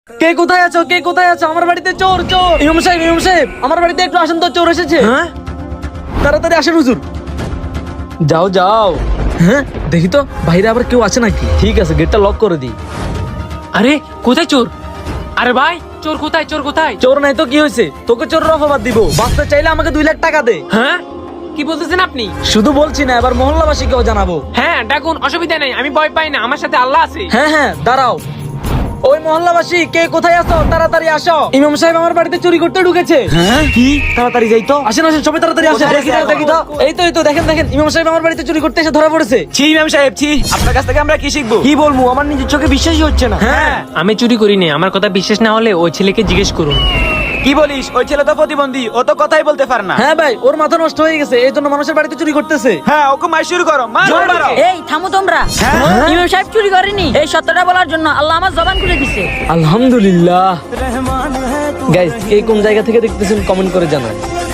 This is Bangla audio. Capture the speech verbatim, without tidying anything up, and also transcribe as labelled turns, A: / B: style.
A: কে কোথায় আছো? কে কোথায় আছো? আমার বাড়িতে চোর চোর। ইমাম সাহেব ইমাম সাহেব আমার বাড়িতে একটু আসেন তো, চোর এসেছে। হ্যাঁ তাড়াতাড়ি আসেন হুজুর। যাও যাও। হ্যাঁ দেখি তো বাইরে আবার কেউ আছে নাকি। ঠিক আছে গেটটা লক করে দিই।
B: আরে কোথায় চোর? আরে ভাই চোর কোথায়? চোর কোথায়?
A: চোর নাই তো কি হয়েছে? তোকে চোরের অপবাদ দিব। বাঁচতে চাইলে আমাকে দুই লাখ টাকা দে।
B: হ্যাঁ কি বলতেছেন আপনি?
A: শুধু বলছি না, এবার মহল্লাবাসীকেও জানাবো।
B: হ্যাঁ ডাকুন, অসুবিধা নেই, আমি ভয় পাই না, আমার সাথে আল্লাহ আছে।
A: হ্যাঁ হ্যাঁ দাঁড়াও। ওই মহল্লাবাসী কে কোথায় আছো? তাড়াতাড়ি আসো। ইমাম সাহেব আমার বাড়িতে চুরি করতে ঢুকেছে। হ্যাঁ কি? তাড়াতাড়ি যাই তো। আসেন আসেন সবাই তাড়াতাড়ি আসেন। দেখি তো দেখি তো। এই তো এই তো দেখেন দেখেন ইমাম সাহেব আমার বাড়িতে চুরি করতে এসে ধরা পড়েছে।
C: ছি ইমাম সাহেব ছি, আপনার কাছ থেকে আমরা কি শিখবো?
A: কি বলবো, আমার নিজের চোখে বিশ্বাসই হচ্ছে না। হ্যাঁ
B: আমি চুরি করিনি, আমার কথা বিশ্বাস না হলে ওই ছেলেকে জিজ্ঞেস করুন।
C: কি বলিস? ওই ছেলে তো প্রতিবন্ধী, ও তো কথাই বলতে পারে না।
A: হ্যাঁ ভাই ওর মাথা নষ্ট হয়ে গেছে, এই জন্য মানুষের বাড়িতে চুরি করতেছে।
C: হ্যাঁ ওকে মার শুরু করো, মার মারো।
D: এই থামো তোমরা।
C: হ্যাঁ?
D: ইমাম সাহেব চুরি করেনি, এই সত্যটা বলার জন্য আল্লাহ আমার জবান খুলে দিছে।
A: আলহামদুলিল্লাহ। গাইস কে কোন জায়গা থেকে দেখতেছেন কমেন্ট করে জানান।